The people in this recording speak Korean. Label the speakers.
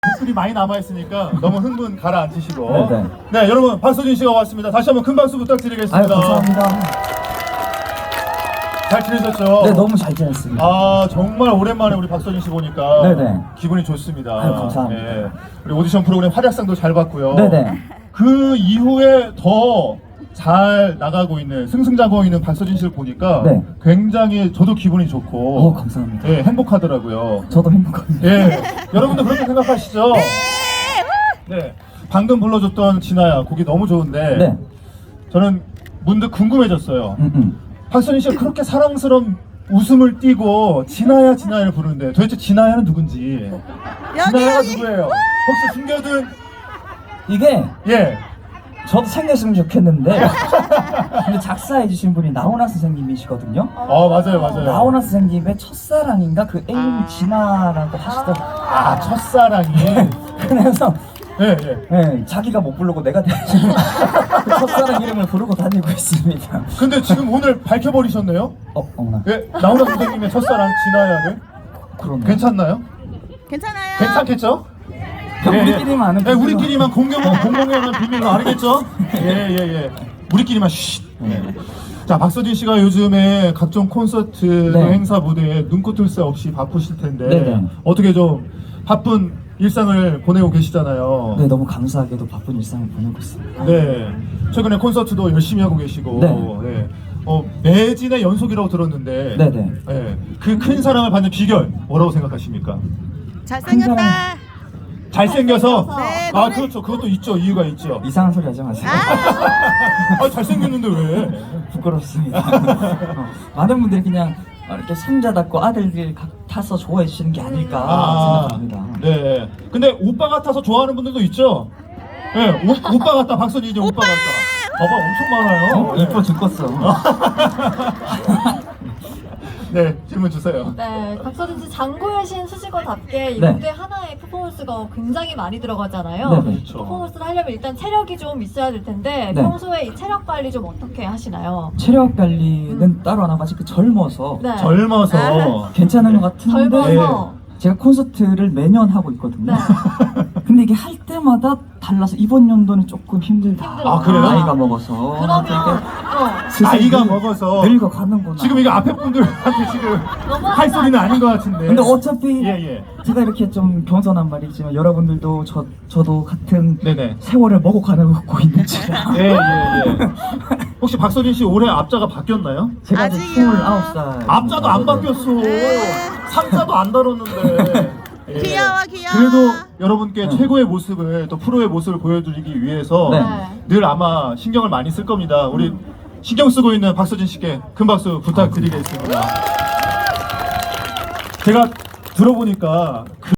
Speaker 1: 댓글이 많이 남아있으니까 너무 흥분 가라앉히시고.
Speaker 2: 네네.
Speaker 1: 네, 여러분 박서진 씨가 왔습니다. 다시 한번 큰 박수 부탁드리겠습니다.
Speaker 2: 감사합니다.
Speaker 1: 잘 지내셨죠?
Speaker 2: 네, 너무 잘 지냈습니다.
Speaker 1: 아, 정말 오랜만에 우리 박서진 씨 보니까
Speaker 2: 네네.
Speaker 1: 기분이 좋습니다.
Speaker 2: 감사합니다.
Speaker 1: 네, 우리 오디션 프로그램 활약상도 잘 받고요.
Speaker 2: 네네.
Speaker 1: 그 이후에 더 잘 나가고 있는 승승장구하고 있는 박서진 씨를 보니까
Speaker 2: 네.
Speaker 1: 굉장히 저도 기분이 좋고
Speaker 2: 감사합니다.
Speaker 1: 예, 행복하더라고요.
Speaker 2: 저도 행복합니다.
Speaker 1: 예, 여러분도 그렇게 생각하시죠? 네. 방금 불러줬던 진아야 곡이 너무 좋은데
Speaker 2: 네.
Speaker 1: 저는 문득 궁금해졌어요. 박서진 씨가 그렇게 사랑스러운 웃음을 띠고 진아야 진아야를 부르는데 도대체 진아야는 누군지 진아야가 누구예요? 혹시 숨겨둔
Speaker 2: 이게
Speaker 1: 예.
Speaker 2: 저도 생겼으면 좋겠는데 근데 작사해 주신 분이 나훈아 선생님이시거든요.
Speaker 1: 맞아요.
Speaker 2: 나훈아 선생님의 첫사랑인가 그 애인 진아라고 하시더라고요.
Speaker 1: 아, 첫사랑이.
Speaker 2: 그래서
Speaker 1: 예.
Speaker 2: 네, 자기가 못 부르고 내가 대신 그 첫사랑 이름을 부르고 다니고 있습니다.
Speaker 1: 근데 지금 오늘 밝혀버리셨네요?
Speaker 2: 어머나.
Speaker 1: 예, 나훈아 선생님의 첫사랑 진아야를.
Speaker 2: 그러네.
Speaker 1: 괜찮나요?
Speaker 3: 괜찮아요.
Speaker 1: 괜찮겠죠?
Speaker 2: 우리끼리만 아는
Speaker 1: 예,
Speaker 2: 비밀로.
Speaker 1: 우리끼리만 공공연한 비밀로 알겠죠? 예. 우리끼리만 쉿. 자, 박서진 씨가 요즘에 각종 콘서트
Speaker 2: 네.
Speaker 1: 행사 무대에 눈꽃을 새 없이 바쁘실 텐데
Speaker 2: 네네.
Speaker 1: 어떻게 좀 바쁜 일상을 보내고 계시잖아요.
Speaker 2: 네, 너무 감사하게도 바쁜 일상을 보내고 있습니다.
Speaker 1: 네. 최근에 콘서트도 열심히 하고 계시고
Speaker 2: 네.
Speaker 1: 매진의 연속이라고 들었는데
Speaker 2: 네네.
Speaker 1: 그 큰 사랑을 받는 비결 뭐라고 생각하십니까?
Speaker 3: 잘생겼다.
Speaker 1: 잘생겨서?
Speaker 3: 네,
Speaker 1: 아,
Speaker 3: 노래-
Speaker 1: 그렇죠. 그것도 있죠. 이유가 있죠.
Speaker 2: 이상한 소리 하지 마세요.
Speaker 1: 아, 잘생겼는데 왜?
Speaker 2: 부끄럽습니다. 많은 분들이 그냥 이렇게 손자답고 아들들 같아서 좋아해 주시는 게 아닐까 생각합니다.
Speaker 1: 네. 근데 오빠 같아서 좋아하는 분들도 있죠? 네, 오빠 같다. 박서진이 오빠 같다. 봐봐, 엄청 많아요.
Speaker 2: 이뻐 죽겠어.
Speaker 1: 네, 질문 주세요.
Speaker 4: 네, 박서진 씨 장고의 신 수식어답게 이
Speaker 2: 네.
Speaker 4: 무대 하나에 퍼포먼스가 굉장히 많이 들어가잖아요.
Speaker 2: 네,
Speaker 1: 그렇죠.
Speaker 4: 퍼포먼스를 하려면 일단 체력이 좀 있어야 될 텐데
Speaker 2: 네.
Speaker 4: 평소에 이 체력 관리 좀 어떻게 하시나요?
Speaker 2: 체력 관리는 따로 안 하고 아직 젊어서
Speaker 4: 네.
Speaker 1: 젊어서.
Speaker 2: 괜찮은 것 같은데
Speaker 4: 젊어서.
Speaker 2: 제가 콘서트를 매년 하고 있거든요.
Speaker 4: 네.
Speaker 2: 근데 이게 할 때마다 달라서 이번 연도는 조금 힘들다.
Speaker 4: 힘들어. 아,
Speaker 1: 그래요?
Speaker 2: 나이가 먹어서.
Speaker 4: 그러면
Speaker 2: 슬슬
Speaker 1: 나이가 먹어서.
Speaker 2: 늙어가는구나.
Speaker 1: 지금 이거 앞에 분들한테 지금 할 소리는 아닌 것 같은데.
Speaker 2: 근데 어차피
Speaker 1: 예.
Speaker 2: 제가 이렇게 좀 겸손한 말이지만 여러분들도 저도 같은
Speaker 1: 네네.
Speaker 2: 세월을 먹고 있는지라
Speaker 1: 예. 혹시 박서진 씨 올해 앞자가 바뀌었나요?
Speaker 2: 제가 아직
Speaker 3: 아직이요.
Speaker 2: 29살
Speaker 1: 앞자도 안 바뀌었어. 상자도 안 다뤘는데. 예.
Speaker 3: 귀여워.
Speaker 1: 그래도 여러분께 최고의 모습을 또 프로의 모습을 보여드리기 위해서
Speaker 2: 네.
Speaker 1: 늘 아마 신경을 많이 쓸 겁니다. 우리 신경 쓰고 있는 박서진 씨께 큰 박수 부탁드리겠습니다. 제가 들어보니까